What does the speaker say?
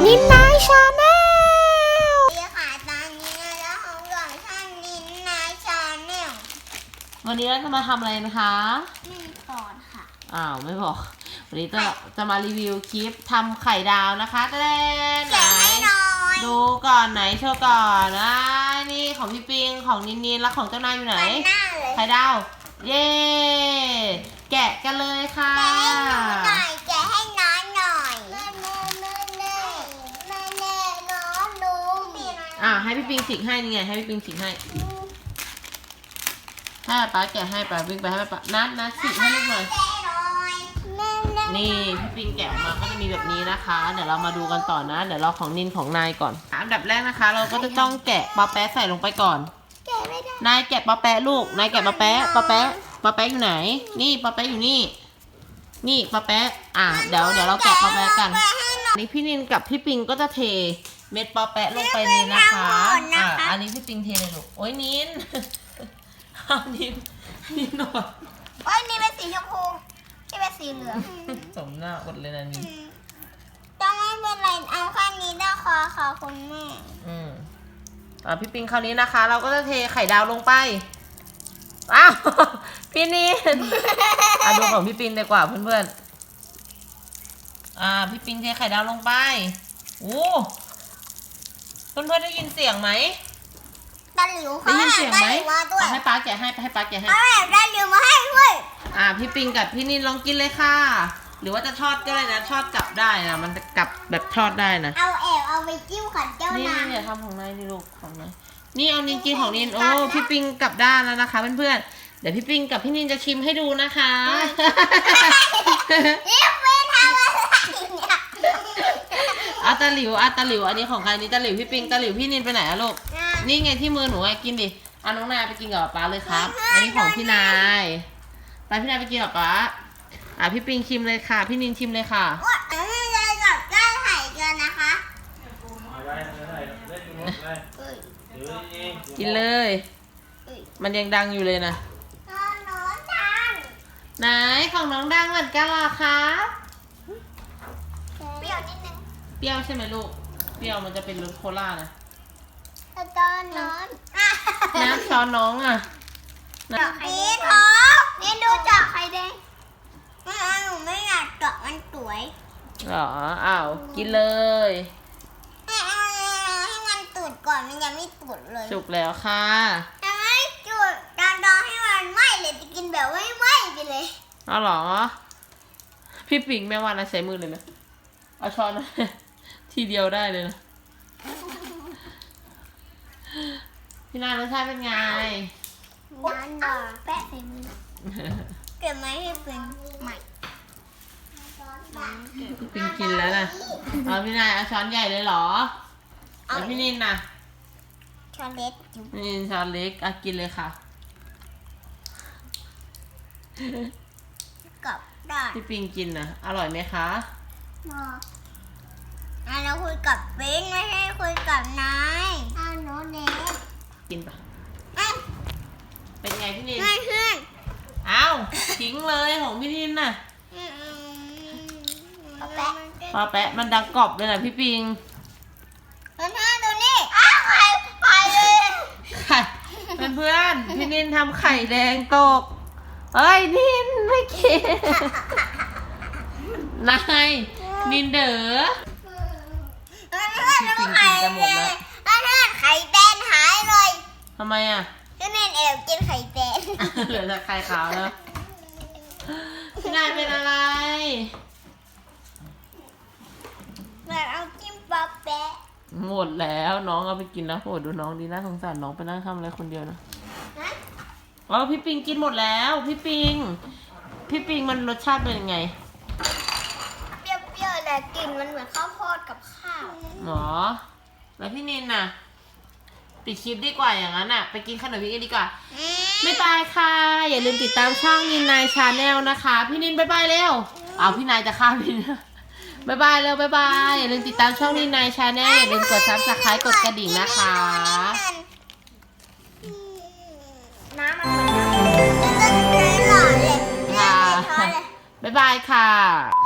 นินนายชาแนลค่ะตอนนี้เราของหลวงท่านนินนายชาแนลวันนี้เราจะมาทำอะไรนะคะไม่สอนค่ะไม่บอกวันนี้จะมารีวิวคลิปทำไข่ดาวนะคะแแกะให้หน่อยดูก่อนไหนโชว์ก่อนนี่ของพี่ปิงของนินแล้วของเจ้านายอยู่ไหนไข่ดาวเย้แกะกันเลยค่ะแกะให้น้อยหน่อยแม่น้องดูให้พี่ปิงฉีกให้นี่ไงให้พี่ปิงฉีกให้ถ้าป้าแกะให้ป้าวิ่งไปให้ป้านัดฉีกให้ลูกหน่อยนี่พี่ปิงแกะออกมาก็จะมีแบบนี้นะคะเดี๋ยวเรามาดูกันต่อนะเดี๋ยวเราของนินของนายก่อนอันดับแรกนะคะเราก็จะต้องแกะปลาแป๊ะใส่ลงไปก่อนนายแกะปลาแป๊ะลูกนายแกะปลาแป๊ะอยู่ไหนนี่ปลาแป๊ะอยู่นี่ปลาแป๊ะเดี๋ยวเราแกะปลาแป๊ะกันนี่พี่นินกับพี่ปิงก็จะเทเม็ดปลาแป๊ะลงไปเลยนะคะอันนี้พี่ปิงเทเลยลูกโอ้ยนินนินหน่อยโอ้ยนี่เป็นสีชมพูที่เป็นสีเหลืองสมหน้าอดเลยนะนี่ต้องไม่เป็นไรเอาข้างนี้ได้ขอคุณแม่พี่ปิงคราวนี้นะคะ เราก็จะเทไข่ดาวลงไปพี่นินดูของพี่ปิงดีกว่าเพื่อนๆพี่ปิงเทไข่ดาวลงไปเพื่อนๆได้ยินเสียงไหมตาหลิวได้ยินเสียงไหมให้ป้าแกะให้ได้หลิวมาให้ด้วยพี่ปิงกับพี่นินลองกินเลยค่ะหรือว่าจะทอดก็ได้นะทอดกลับได้นะมันจะกลับแบบทอดได้นะเอาไปจิ้มขันเจ้านายนี่ทำของนายนี่ลูกของนายนี่เอานินกินของนินพี่ปิงกลับด้านแล้วนะคะเพื่อนๆเดี๋ยวพี่ปิงกับพี่นินจะชิมให้ดูนะคะนี่ไม่ทำอะไรเนี่ยตาหลิวอันนี้ของใครนี่ตาหลิวพี่ปิงตาหลิวพี่นินไปไหนอะลูกนี่ไงที่มือหนูไงกินดิน้องนายไปกินกับป๊าเลยครับอันนี้ของพี่นายไปพี่นายไปกินกับป๊าพี่ปิงชิมเลยค่ะพี่นินชิมเลยค่ะพี่เลยกับได้ไข่กันนะคะกินเลยมันยังดังอยู่เลยนะน้องดังไหนของน้องดังเหมือนกันเหรอคะเปรี้ยวนิดนึงเปรี้ยวใช่ไหมลูกเปรี้ยวมันจะเป็นรสโคลานะตอนน้องน้ำช้อนน้องนี่ท้องนี่ดูจากไข่แดงหนูไม่อยากเจาะมันสวยหรอกินเลยให้มันตุดก่อนมันยังไม่ตุดเลยสุกแล้วค่ะยังไม่จุดรอให้มันไหม้เลยจะกินแบบไม่ไหม้ไปเลยหรอพี่ปิงแม่ว่านะใช้มือเลยนะเอาช้อนทีเดียวได้เลยนะพี่นารสชาติเป็นไงน้ำแปะใส่มือเก็บไว้ให้เป็นใหม่พี่ปิงกินแล้วนะพี่นายเอาช้อนใหญ่เลยเหรอแล้วพี่นินน่ะช้อนเล็กนินช้อนเล็กกินเลยค่ะกับได้พี่ปิงกินนะอร่อยไหมคะเราคุยกับปิงไม่ใช่คุยกับนายโน้ตเน็กกินปะเป็นไงพี่นินไม่ขึ้นทิ้งเลยของพี่นินน่ะปลาแปะมันดังกรอบเลยนะพี่ปิงดูนี่ไข่เลยไข่เพื่อนพี่นินทำไข่แดงตกนินไม่กินนายนินเด๋อพี่ปิงกินจะหมดแล้วไข่แดงหายเลยทำไมก็นินกินไข่แดงเหลือแต่ไข่ขาวแล้วพี่นายเป็นอะไรเอาจิ้มปลาแปะหมดแล้วน้องเอาไปกินแล้วดูน้องดีน่าสงสารน้องไปนั่งทำอะไรคนเดียวนะพี่ปิงกินหมดแล้วพี่ปิงมันรสชาติเป็นยังไงเปรี้ยวๆแต่กลิ่นมันเหมือนข้าวโพดกับข้าวแล้วพี่นินน่ะปิดคลิปดีกว่าอย่างนั้นไปกินขนมพี่กันดีกว่าบ๊ายบายค่ะอย่าลืมติดตามช่องนินนายชาแนลนะคะพี่นินบ๊ายบายเร็วพี่นายจะฆ่าพี่บ๊ายบายเร็วบ๊ายบายอย่าลืมติดตามช่องนินนายชาแนลอย่าลืมกดซับสไครต์กดกระดิ่งนะคะน้ำมันหล่อเลยบ๊ายบายค่ะ